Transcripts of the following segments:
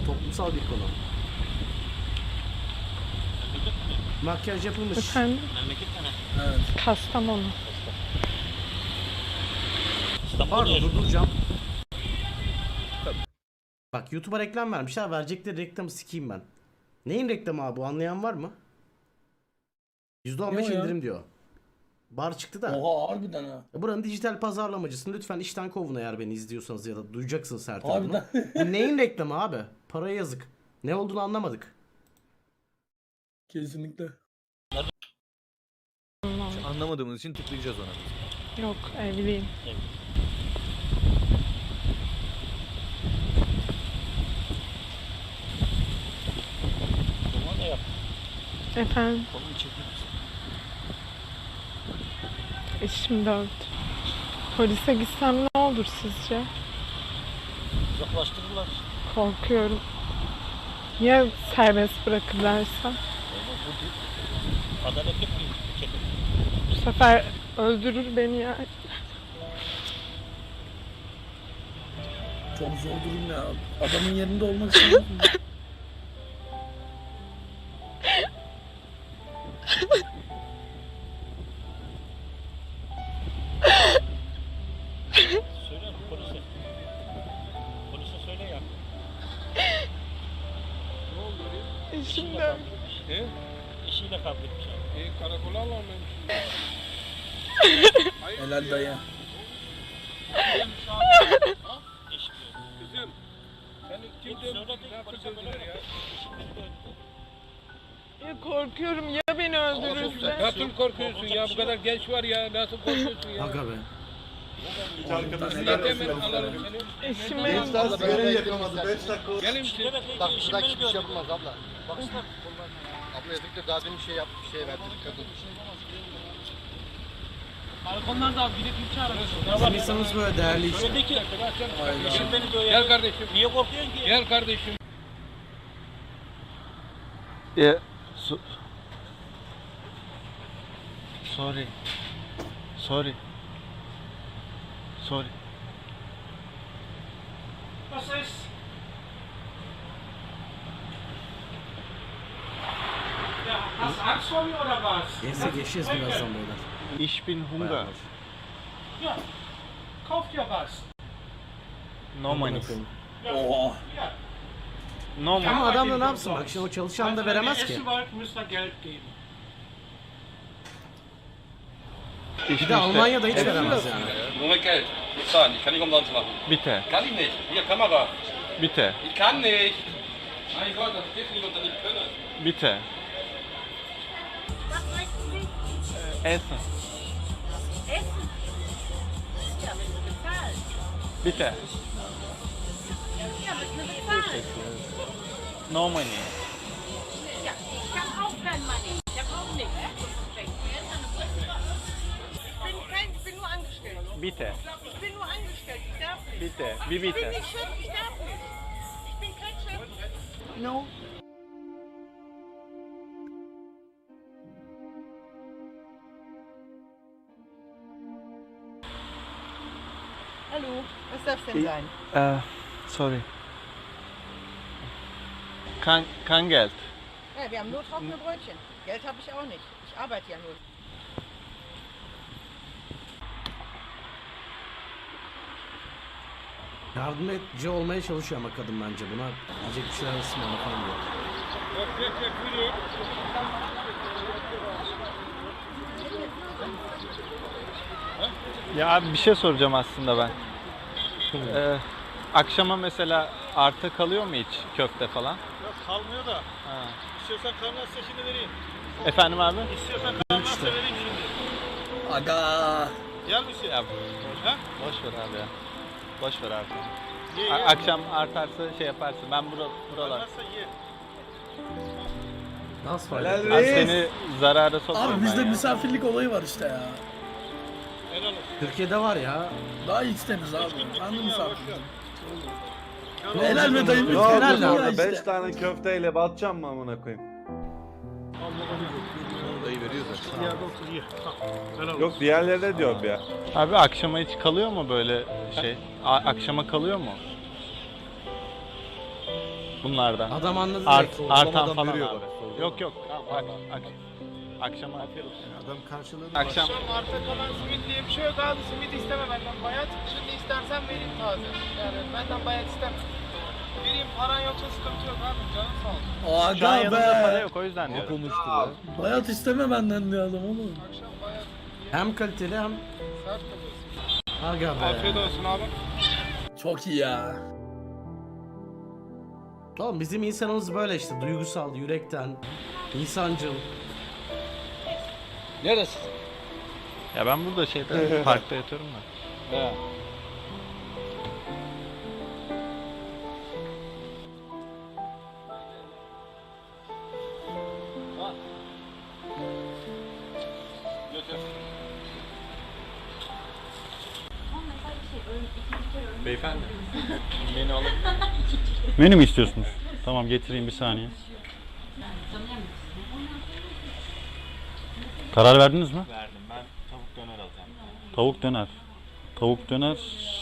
toplumsal bir konu. Makyaj yapılmış. Efendim? Memleket mi? Evet. Kastamonu. Pardon durduracağım. Bak YouTube'a reklam vermişler. Verecekleri reklamı sikeyim ben. Neyin reklamı abi bu, anlayan var mı? %15 Yo ya. indirim diyor. Bar çıktı da. Oha harbiden ha. Buranın dijital pazarlamacısını lütfen işten kovun eğer beni izliyorsanız ya da duyacaksınız her tarafını. Harbiden. Bu neyin reklamı abi? Paraya yazık. Ne olduğunu anlamadık. Kesinlikle. Anlamadığımız için tıklayacağız ona. Yok, evliyim. Durma da yap. Efendim? Kolunu çekmek için. Eşim 4. Polise gitsem ne olur sizce? Uzaklaştırırlar. Korkuyorum. Ya serbest bırakırlarsa? Adalet yok mu? Ülkede. Bu sefer öldürür beni ya. Çok zor durum ya. Adamın yerinde olmak istemez mi? Söyle polise. Polise söyle ya. Eşim 4. Eşiyle kavga etmiş abi. Karakola alalım. Helal dayı. Eşim diyor. Kızım. Sen kim Söyle dövdü? de polise böyle yap. Eşim beni dövdü. Ya korkuyorum ya beni öldürürse? Nasıl korkuyorsun ya? Bu kadar genç var ya. Nasıl korkuyorsun ya? Aga be. Git hemen alalım seni. Eşime Görev yapamadı. 5 dakika. Gelir misin? Demek ki Bak eşim burada beni hiçbir şey dövdü. yapılmaz abla. Baksana. Abla yazık daha demin şey yaptı, şey verdi kadın. Balkondan da abi gidip ilçe arasın. Bizim insanımız böyle değerli işte. Söyledi ki eşim beni dövüyor. Gel kardeşim. Niye korkuyorsun ki? Gel kardeşim. Sorry. Sorry. Was ist? Ja, hast du Angst vor mir oder was? Neyse geçeceğiz birazdan beyler. Ich bin Hunger. Ja, kauf dir was. No money. Oha. Ja. No money. Ama adam da ne yapsın bak, şimdi o çalışan da veremez ki. Essen wollt, müsst ihr Geld geben. Bir de Almanya'da hiç veremez yani. Nur mit Geld. Bezahlen. Ich kann nicht umsonst machen. Bitte. Kann ich nicht. Hier, Kamera. Bitte. Ich kann nicht. Mein Gott, das geht nicht unter nicht können. Bitte. Was möchten Sie? Essen. Essen? Ja, müssen wir bezahlen. Bitte. Ja, müssen wir bezahlen. No money. Ja, ich habe auch kein Money. Ich habe auch nichts. Ich bin nur angestellt. Bitte. Ich bin nur angestellt. Ich darf nicht. Bitte. Wie Ich bin bitte? nicht Chef. Ich darf nicht. Ich bin kein Chef. No. Hallo, was darf denn sein? Sorry. Kein Geld. Ja, wir haben nur trockene Brötchen. Geld habe ich auch nicht. Ich arbeite ja nur. Yardımcı olmaya çalışıyor ama kadın bence buna. Diyecek bir şeyler ısmarla falan diyor. Ya abi bir şey soracağım aslında ben. Akşama mesela arta kalıyor mu hiç köfte falan? Yok kalmıyor da. Ha. İstiyorsan kalmazsa şimdi vereyim. Efendim abi? İstiyorsan kalmazsa vereyim şimdi. Aga. Yer misin? Ya Ha? boş ver abi ya. Boş ver abi. Ye, ye. Akşam artarsa şey yaparsın. Ben buralar. Kalmazsa ye. Nasıl fayda? Abi seni zarara sokmam Abi ben bizde ya. misafirlik olayı var işte ya. Helal olsun. Türkiye'de var ya. Daha X'teniz abi. Hangi Boş misafir? ver. Helal be dayım. Yok, helal ya lan. işte. 5 tane köfteyle batacağım mı amına koyayım? Dayı veriyor zaten. Ya doktor ye. Helal olsun. Yok diğerleri de diyorum ya. Abi akşama hiç kalıyor mu böyle şey? Akşama kalıyor mu? Bunlardan. Adam anladı Art, direkt. artan falan abi. Yok yok. Akşama afiyet olsun. Adam karşılığını Akşam. Arta kalan simit diye bir şey yok abi. Simit isteme benden bayat. Şimdi istersen vereyim taze. Yani benden bayat isteme. Vereyim, paran yoksa sıkıntı yok abi. Canın sağ olsun. Şu an Aga yanımda para be. yok o yüzden diyorum. konuştu ya. Bayat isteme benden diyor adam oğlum. Akşam bayat. Hem kaliteli hem Sert kalıyorsun. aga be. Afiyet olsun abi. Çok iyi ya. Oğlum bizim insanımız böyle işte, duygusal, yürekten, insancıl. Neresi? Ya ben burada şeyde parkta yatıyorum da. He. Beyefendi. Beni alabilir miyim? Menü mü istiyorsunuz? Tamam getireyim bir saniye. Karar verdiniz mi? Verdim. Ben tavuk döner alacağım. Tavuk döner. Tavuk döner.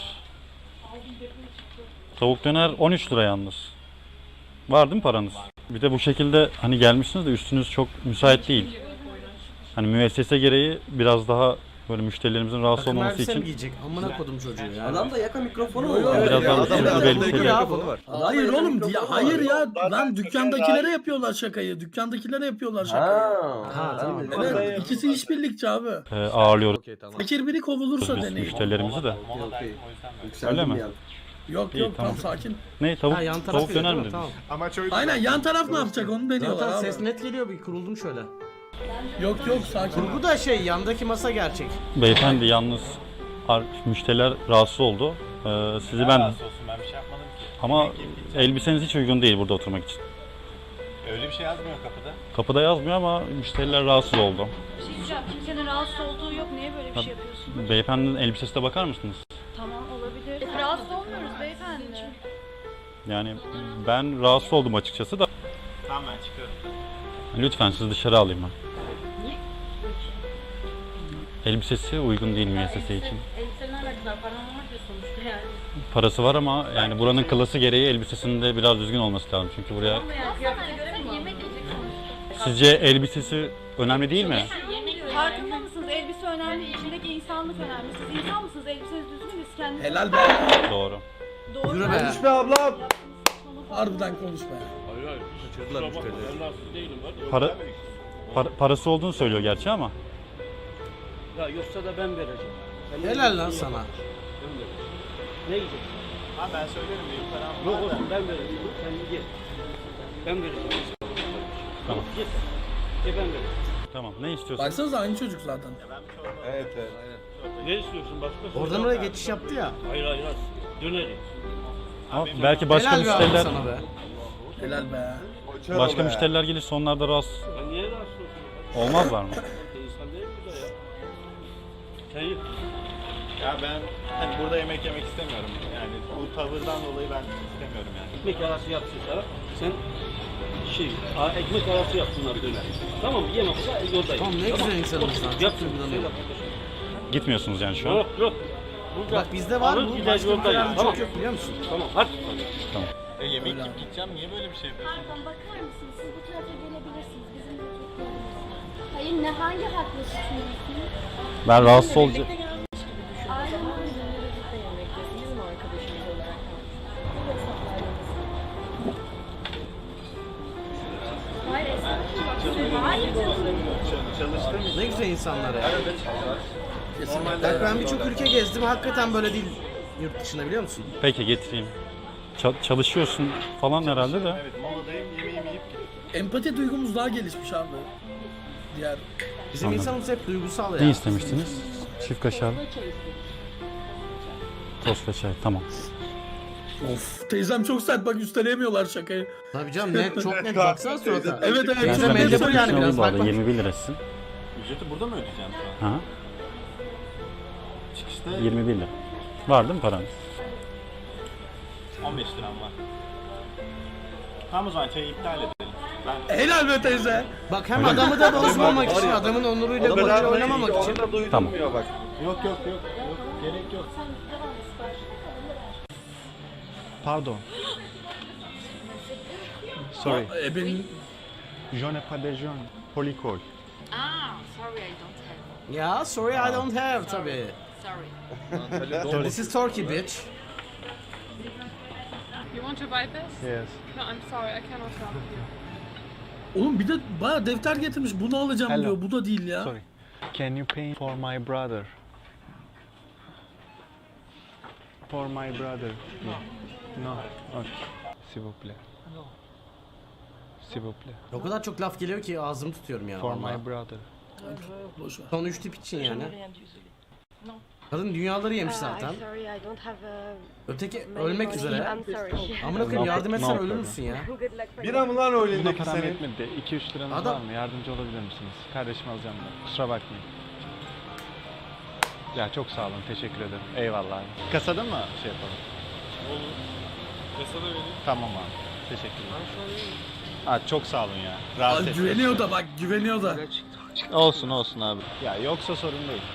Tavuk döner 13 lira yalnız. Var değil mi paranız? Bir de bu şekilde hani gelmişsiniz de üstünüz çok müsait değil. Hani müessese gereği biraz daha böyle müşterilerimizin rahatsız Takım olmaması elbise mi için giyecek? Amına kodum çocuğu ya. Adam da yaka mikrofonu mu Yo, yo, var? biraz daha adam- üstünüz adam- belli Ya şeyler. bu. Hayır Adam oğlum mikrofonu var. hayır ya lan dükkandakilere yapıyorlar şakayı. Dükkandakilere yapıyorlar şakayı. Ha, tamam. Evet, ikisi işbirlikçi abi. Ağırlıyoruz Okey tamam. Fakir biri kovulursa biz deneyin. müşterilerimizi de. Okey. Öyle Yükseldim mi? bir an. Yok İyi, yok tamam. tam sakin. Ne tavuk, Ha, yan taraf tavuk geliyor, döner değil mi mi? dediniz? Tamam. Ama çok Aynen yan taraf ne yapacak onu deniyorlar Zaten abi. ses net geliyor, bir kuruldum şöyle. Yok yok sakin. Kurgu da şey, yandaki masa gerçek. Beyefendi yalnız müşteriler rahatsız oldu. Sizi ben Olsun ben bir şey yapmadım ki. ama elbiseniz hiç uygun değil burada oturmak için. Öyle bir şey yazmıyor kapıda. Kapıda yazmıyor ama müşteriler rahatsız oldu. Bir şey diyeceğim. Kimsenin rahatsız olduğu yok. Niye böyle bir şey yapıyorsunuz? Beyefendinin elbisesine bakar mısınız? Tamam olabilir. Rahatsız olmuyoruz beyefendi. Yani ben rahatsız oldum açıkçası da. Tamam ben çıkıyorum. Lütfen sizi dışarı alayım ben. Elbisesi uygun değil müessese için. Elbisenin alakası param var ya sonuçta yani. Parası var ama yani buranın klası gereği elbisesinin de biraz düzgün olması lazım. Çünkü buraya Ama yani kıyafete göre mi? Yemek yiyecek sonuçta. sizce elbisesi önemli değil mi? Farkında mısınız? Elbise önemli, içindeki insanlık önemli. Siz insan mısınız? Elbiseniz düzgün mü? Siz kendiniz... Helal be. Doğru. Doğru. Yürü be. Konuş be ablam. Harbiden konuş be. Kaçırdılar müşterileri. Parası olduğunu söylüyor gerçi ama. Ya yoksa da ben vereceğim. Helal lan sana. Ne yiyeceksin? Ha ben söylerim benim param Yok var da. olsun ben vereceğim. Sen git. Ben vereceğim. Tamam. Git. Ben vereceğim. Tamam. Ne istiyorsun? Baksanıza aynı çocuk zaten. Evet evet. Aynen. Ne istiyorsun başka? Oradan oraya geçiş yaptı ya. Hayır hayır. Döneriz. Ama belki başka Helal be abi müşteriler sana be. Helal be. başka müşteriler gelirse onlar da rahatsız Ben niye rahatsız olsun? olmazlar mı? İnsan değil mi bu da ya? Sen yık. Ya ben hani burada yemek yemek istemiyorum. Yani bu tavırdan dolayı ben istemiyorum yani. Ekmek arası yapsın sana. Sen ekmek arası yap bunları döner. Tamam mı? Yemezse yoldayım. Tamam, ne güzel insanımız lan. Çok Yapsın. duygulanıyorum. Gitmiyorsunuz yani şu an. Yok yok. Burada Bak bizde var alır bu. gider Başka yoldayım. ülkelerde Tamam. çok yok biliyor musun? Tamam hadi. Yemek yiyip gideceğim. Niye böyle bir şey yapıyorsun? Pardon bakar mısınız? Siz bu tarafa gelebilirsiniz. Bizim de çok yolumuz. Hayır ne hangi hakla suçluyorsunuz? Ben rahatsız olacağım. Aynen öyle. Bizim arkadaşımız olarak Hayır estağfurullah. Hayır canım. Çalıştığım için. Ne güzel insanlar ya. Kesinlikle. Bak ben birçok ülke gezdim, hakikaten böyle değil yurt dışında biliyor musun? Peki getireyim. Çalışıyorsun falan herhalde de. Evet moladayım yemeğimi yiyip gideceğim. Empati duygumuz daha gelişmiş abi. Diğer. Bizim Anladım. insanımız hep duygusal ya. Ne istemiştiniz? Çift kaşar. Tost ve çay. Tamam. Of teyzem çok sert bak üsteleyemiyorlar şakayı. Tabii canım, net, çok net baksana surata. Evet evet Ben çok Teyzem net elde bu söylüyor. yani biraz, bak bak. 21 lirasın. Ücreti burada mı ödeyeceğim şu an? Ha? Çıkışta 21 lira. Var değil mi paran? 15 liram var. Tamam o zaman çayı iptal edelim. Ben Helal be teyze. Bak hem adamı da bozmamak için, adamın onuruyla böyle oynamamak için. Tamam. yok yok yok yok gerek yok. Pardon. Sorry. Benim Je n'ai pas d'argent. Polycol. Ah, sorry, I don't have. Ya sorry I don't have tabii. Sorry. This is Turkey bitch. You want to buy this? Yes. No, I'm sorry, I cannot help you. oğlum bir de baya defter getirmiş. Bunu alacağım Hello. diyor. Bu da değil ya. Sorry. Can you pay for my brother? For my brother. No. Okay. S'il vous plaît. S'il vous plaît. O kadar çok laf geliyor ki ağzımı tutuyorum ya. For vallahi. my brother. Boş ver. Son 3 tip için yani. Kadın dünyaları yemiş zaten. Sorry, I don't have Öteki ölmek üzere. I'm sorry. Amına koyayım yardım etsen No ölür problem. müsün ya? Good luck for Bira mı lan o Buna elindeki param senin? yetmedi. 2-3 liranız Adam- var mı? Yardımcı olabilir misiniz? Kardeşim alacağım da. Kusura bakmayın. Ya çok sağ olun. Teşekkür ederim. Eyvallah abi. Kasada mı şey yapalım? Olur. Kasada vereyim. Tamam abi. Teşekkürler. Çok sağ olun ya. Rahatsız Ay, ettiniz. güveniyor da bak güveniyor da. Olsun olsun abi. Ya yoksa sorun değil.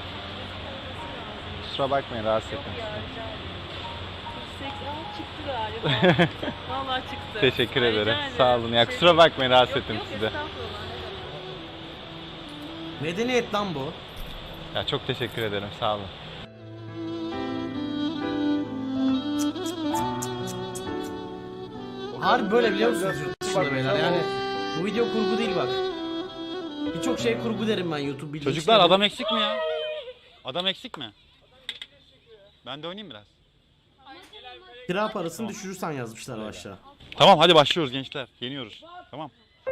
Kusura bakmayın rahatsız ettim sizi. Çıktı galiba. Vallahi çıktı. Teşekkür Rica ederim. ederim. Sağ olun. Ya kusura bakmayın rahatsız ettim sizi. Estağfurullah. Medeniyet lan bu. Ya çok teşekkür ederim. Sağ olun. Harbi böyle biliyor musunuz yurt dışında beyler yani. Bu video kurgu değil bak. Birçok şey kurgu derim ben YouTube bildiğin Çocuklar için. adam eksik mi ya? Adam eksik mi? Ben de oynayayım biraz. Kira parasını düşürürsen yazmışlar aşağı. Tamam hadi başlıyoruz gençler. Yeniyoruz. Tamam.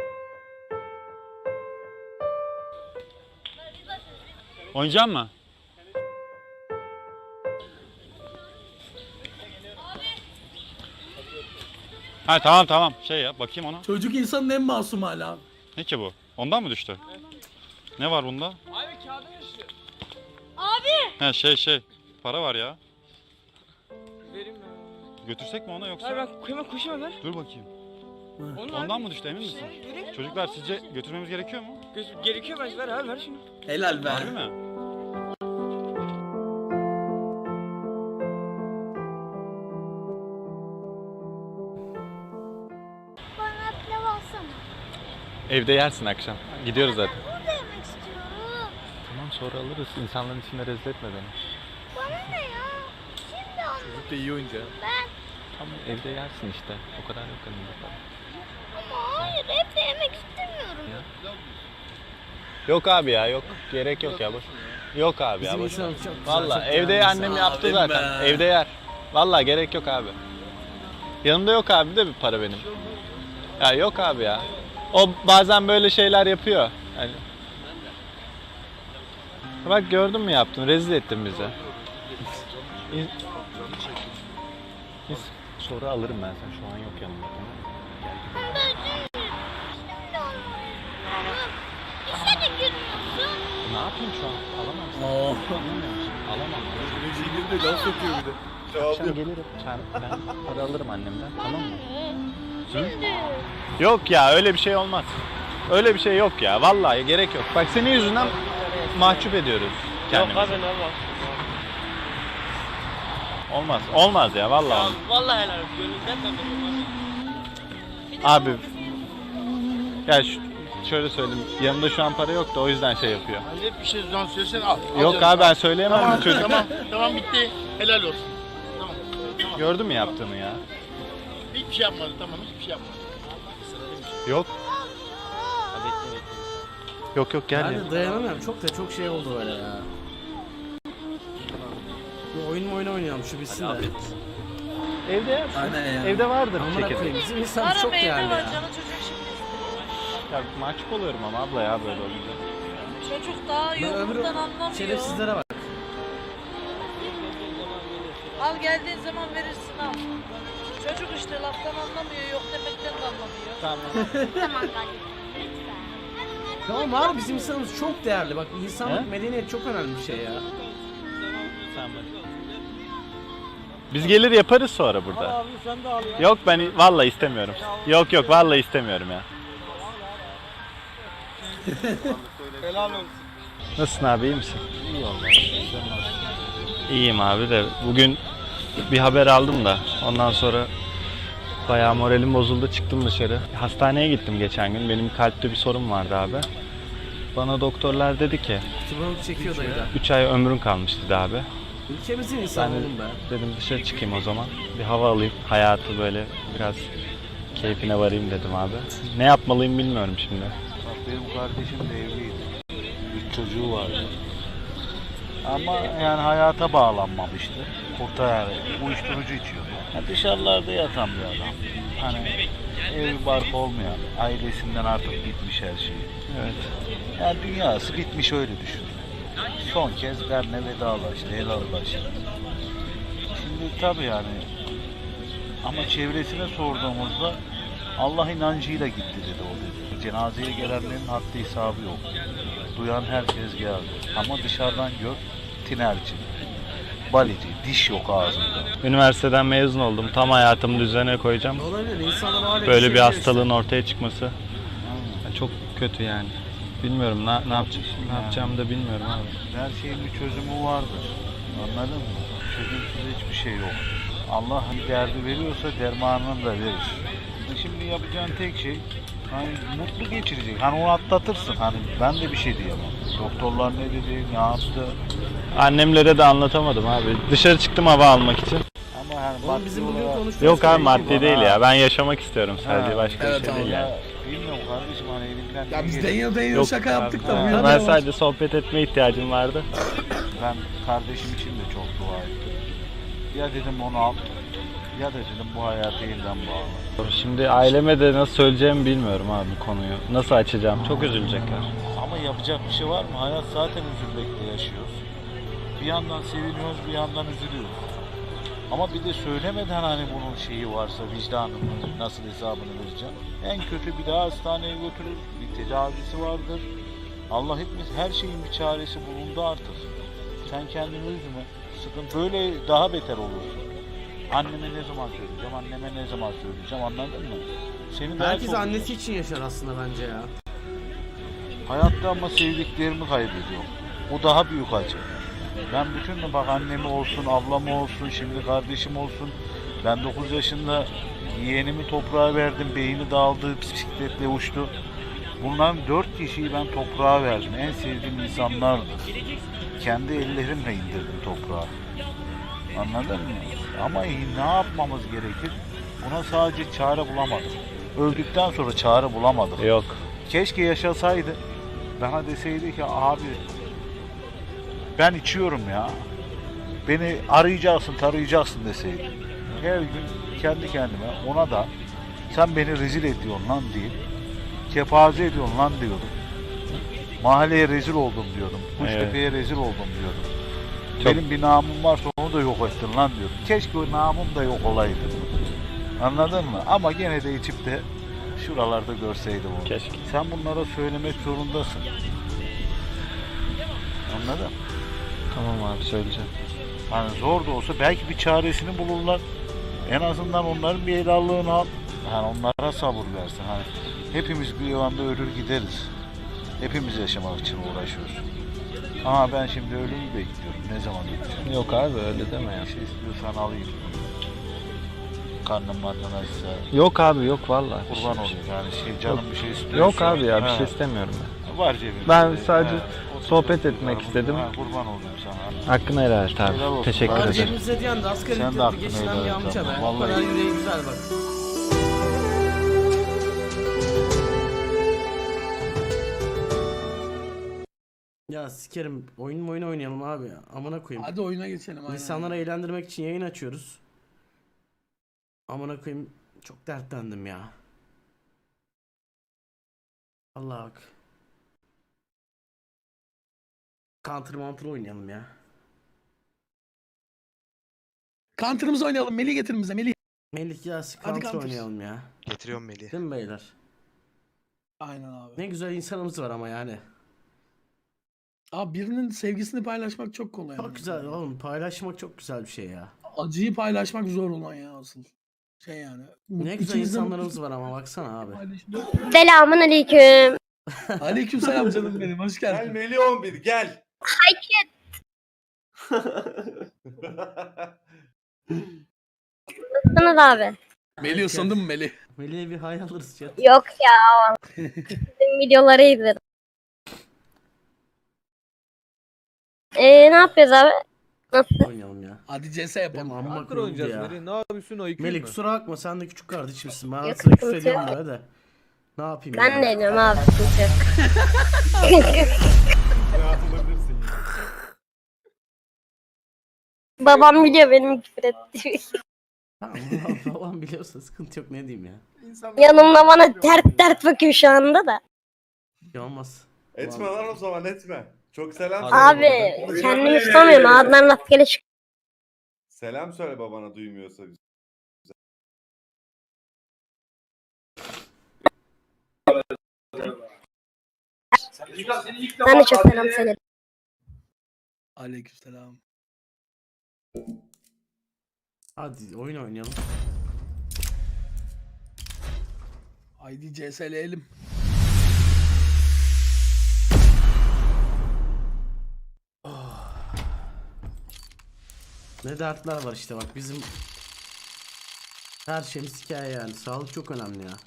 Oynayacak mı? Ha tamam şey ya bakayım ona. Çocuk insanın en masum hala. Ne ki bu? Ondan mı düştü? Ne var bunda? Abi kağıdı düştü. He şey para var ya. Vereyim mi? Götürsek mi ona yoksa? Hayır ben hemen koşayım hemen. Dur bakayım. Onun Ondan mı düştü emin misin? Çocuklar sizce götürmemiz gerekiyor mu? Gerekiyor bence ver abi ver şunu. Helal be. Harbi mi? Bana pilav alsana. Evde yersin akşam. Gidiyoruz zaten. Burada yemek istiyorum. Tamam sonra alırız. İnsanların içinde rezil etme beni. Bana ne ya? Şimdi almak Çocuk da iyi oyuncu. ben. Tamam evde yersin işte. O kadar yok elimde para. Ama hayır evde yemek istemiyorum. Yok abi ya yok. Gerek yok ya boş. Yok abi ya Bizim boş. insanımız çok güzel, Valla çok evde değerli annem insan. yaptı Abim zaten. be. Evde yer. Valla gerek yok abi. Yanımda yok abi de bir para benim. Ya yok abi ya. O bazen böyle şeyler yapıyor. Yani. Bak gördün mü yaptın? Rezil ettin bizi. Sonra alırım ben sen şu an yok yanımda. Tamam mı? Ben şimdi almalıyım. İşe de girmiyorsun. Ne yapayım şu an? Alamam seni. Oh. Anlamıyor musun? Alamam. Çocuk de laf sokuyor bir de. Akşam gelirim. Ben para alırım annemden. Tamam mı? Şimdi. Yok ya öyle bir şey olmaz. Öyle bir şey yok ya. Vallahi gerek yok. Bak senin yüzünden mahcup ediyoruz kendimizi. Yok abi ne Allah. Olmaz. Olmaz ya vallahi. Vallahi helal olsun. Gönlümden ben veriyorum Abi. Ya şöyle söyleyeyim. Yanımda şu an para yok da o yüzden şey yapıyor. Hani bir şey zaman söylesen al. Yok abi ben söyleyemem Tamam, çocuk. tamam bitti. Helal olsun. Tamam. Gördün mü yaptığını ya? Hiçbir şey yapmadı tamam hiçbir şey yapmadı. Yok. Yok gel Ben ya. de dayanamıyorum. Çok şey oldu öyle ya. Bir oyun oynayalım şu bitsin de. Evde yersin. Aynen ya. Evde vardır Amına çekirdek. koyayım bizim insanımız çok değerli ya. Ya mahcup oluyorum ama abla ya böyle olunca. Çocuk daha Ben öbür yoğurttan anlamıyor. şerefsizlere bak. Al geldiğin zaman verirsin al. Çocuk işte laftan anlamıyor, yok demekten de anlamıyor. Tamam. Tamam kardeşim. Lütfen. Tamam var bizim insanımız çok değerli. Bak insanlık He? medeniyet çok önemli bir şey ya. Tamam. Biz gelir yaparız sonra burada. Yok ben vallahi istemiyorum. Yok vallahi istemiyorum ya. Helal olsun. Nasılsın abi iyi misin? İyi vallahi. İyiyim abi de bugün bir haber aldım da ondan sonra Bayağı moralim bozuldu, çıktım dışarı. Hastaneye gittim geçen gün. Benim kalpte bir sorun vardı abi. Bana doktorlar dedi ki Tıbbalık çekiyor dayı da. 3 ay ömrün kalmış dedi abi. Ülkemizin insanı Ben de oğlum be. dedim dışarı çıkayım o zaman. Bir hava alayım, hayatı böyle biraz keyfine varayım dedim abi. Ne yapmalıyım bilmiyorum şimdi. Bak benim kardeşim de evliydi. 3 çocuğu vardı. Ama yani hayata bağlanmamıştı. Yani uyuşturucu içiyordu. Dışarılarda yatan bir adam. Hani ev barkı olmayan, ailesinden artık bitmiş her şey. Evet. Yani dünyası bitmiş öyle düşün. Son kez benle vedalaştı, helallaştı. Şimdi tabii yani ama çevresine sorduğumuzda Allah inancıyla gitti dedi o dedi. Cenazeye gelenlerin haddi hesabı yok. Duyan herkes geldi. Ama dışarıdan gör, tinerci, balici, diş yok ağzında. Üniversiteden mezun oldum. Tam hayatımı düzene koyacağım. Olabilir. İnsanlar o hale Böyle bir düşebiliyor hastalığın ortaya çıkması çok kötü yani. Bilmiyorum ne yapacağımı da bilmiyorum abi. Her şeyin bir çözümü vardır. Anladın mı? Çözümsüz hiçbir şey yok. Allah bir derdi veriyorsa dermanını da verir. Şimdi yapacağın tek şey hani mutlu geçirecek. Hani onu atlatırsın. Hani ben de bir şey diyemem. Doktorlar ne dedi, ne yaptı. Annemlere de anlatamadım abi. Dışarı çıktım hava almak için. Ama hani Oğlum bizim bugün konuştuğumuz Yok abi şey maddi bu. değil ya. Ben yaşamak istiyorum sadece. Ha, Başka bir şey değil yani. Bilmiyorum kardeşim hani elimden Ya ne biz gelir? deniyor Yok, şaka yaptık da ha, bu Ben yana sadece sohbet etmeye ihtiyacım vardı. Ben kardeşim için de çok dua ettim. Ya dedim onu al, ya da dedim bu hayatı yeniden bağla. Şimdi aileme de nasıl söyleyeceğimi bilmiyorum abi bu konuyu. Nasıl açacağım? Çok üzülecekler. Ama yapacak bir şey var mı? Hayat zaten üzülmekle yaşıyoruz. Bir yandan seviniyoruz, bir yandan üzülüyoruz. Ama bir de söylemeden hani bunun şeyi varsa vicdanının nasıl hesabını vereceğim. En kötü bir daha hastaneye götürür, bir tedavisi vardır. Allah etmez, her şeyin bir çaresi bulundu artık. Sen kendini üzme, sıkıntı böyle daha beter olursun. Anneme ne zaman söyleyeceğim, anneme ne zaman söyleyeceğim, anladın mı? Senin daha Herkes çok- annesi için yaşar aslında bence ya. Hayatta ama sevdiklerimi kaybediyorum. O daha büyük acı. Ben bütün bak annemi olsun, ablamı olsun, şimdi kardeşim olsun. Ben 9 yaşında yeğenimi toprağa verdim, beyni dağıldı, bisikletle uçtu. Bunların 4 kişiyi ben toprağa verdim. En sevdiğim insanlardı. Kendi ellerimle indirdim toprağa. Anladın mı? Ama ne yapmamız gerekir? Buna sadece çare bulamadım. Öldükten sonra çare bulamadık. Yok. Keşke yaşasaydı. Bana deseydi ki abi ben içiyorum ya. Beni arayacaksın, tarayacaksın deseydi. Her gün kendi kendime ona da sen beni rezil ediyorsun lan deyip kepaze ediyorsun lan diyordum. Mahalleye rezil oldum diyordum. Kuştepe'ye rezil oldum diyordum. Benim bir namım varsa onu da yok ettin lan diyordum. Keşke o namım da yok olaydı. Anladın mı? Ama gene de içip de şuralarda görseydim onu. Keşke. Sen bunlara söylemek zorundasın. Anladın? Tamam abi söyleyeceğim. Hani zor da olsa belki bir çaresini bulurlar. En azından onların bir helallığını al. Hani onlara sabır versin. Hani hepimiz bir anda ölür gideriz. Hepimiz yaşamak için uğraşıyoruz. Ama ben şimdi ölümü bekliyorum. Ne zaman gideceğim? Yok abi öyle deme ya. Bir şey istiyorsan alayım. Karnım açsa. Yok abi yok vallahi. Kurban olayım yani canım bir şey istiyorsa. Yok abi ya bir Ha, şey istemiyorum ben. var cebimde. Ben sadece otur, sohbet otur, etmek otur. istedim. Ha, kurban olayım sana. Hakkını helal et Helal abi. olsun. Teşekkür Var ederim. Cebimizde diyen de asgari Sen de ücretli hakkını geçinen helal bir et amca be. ama O kadar vallahi. yüreği güzel bak. Ya sikerim. Oyun oynayalım abi ya. Amına koyayım. Hadi oyuna geçelim. Aynen. İnsanları eğlendirmek için yayın açıyoruz. Amına koyayım. Çok dertlendim ya. Allah bak. Counter oynayalım ya. Counter'ımızı oynayalım. Melih getirin bize. Melih. Melih ya Hadi Counter Counter. oynayalım ya. Getiriyorum Melih. Değil mi beyler? Aynen abi. Ne güzel insanımız var ama yani. Abi birinin sevgisini paylaşmak çok kolay. Çok yani. güzel oğlum. Paylaşmak çok güzel bir şey ya. Acıyı paylaşmak zor olan ya asıl. Şey yani. Ne güzel insanlarımız var ama baksana abi. Selamun aleyküm. Aleyküm selam canım benim. Hoş geldin. Melih 11 gel. Nasılsınız abi? Melih ısındın mı Melih? Melih'e bir hay alırız chat. Yok ya. Bizim videoları izledim. Ne yapıyoruz abi? Oynayalım ya. Hadi CS Benim yapalım. amma kırıldı ya. Ne yapıyorsun o Melih kusura bakma sen de küçük kardeşimsin. Ben Yok, arada sıra küfür sıkıntı ediyorum yok. böyle de. Ne yapayım Ben yani? de ediyorum abi. Sıkıntı yok. Rahat olabilirsin ya. Babam biliyor benim küfür ettiğimi. Tamam babam biliyorsa sıkıntı yok ne diyeyim ya. Yanımda bana tert bakıyor şu anda da. Bir şey olmaz. Etme lan o zaman etme. Çok selam Abi kendimi tutamıyorum. Ağzından rastgele çık. Selam söyle babana duymuyorsa. Ben de çok selam söyledim. Aleykümselam. Hadi oyun oynayalım. Haydi CS'leyelim. Ne dertler var işte bak bizim her şeyimiz hikaye yani. Sağlık çok önemli ya.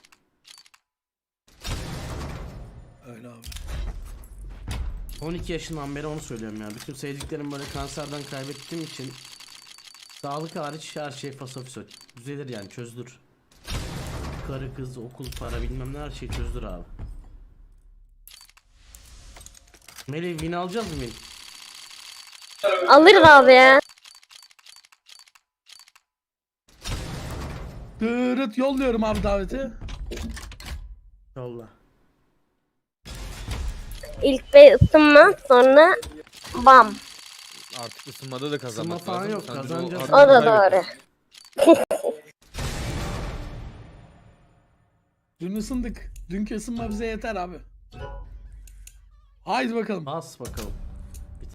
Öyle abi. 12 yaşından beri onu söylüyorum ya. Bütün sevdiklerim böyle kanserden kaybettiğim için sağlık hariç her şey fasofisol. Düzelir yani çözülür. Karı kız okul para bilmem ne her şey çözülür abi. Melih win alacağız mı Melih? Alırız abi ya. Dırıt yolluyorum abi daveti. Yolla. İlk bir ısınma sonra bam. Artık ısınmada da Isınma falan yok kazanacağız. O da doğru. Dün ısındık. Dünkü ısınma bize yeter abi. Haydi bakalım. Bas bakalım.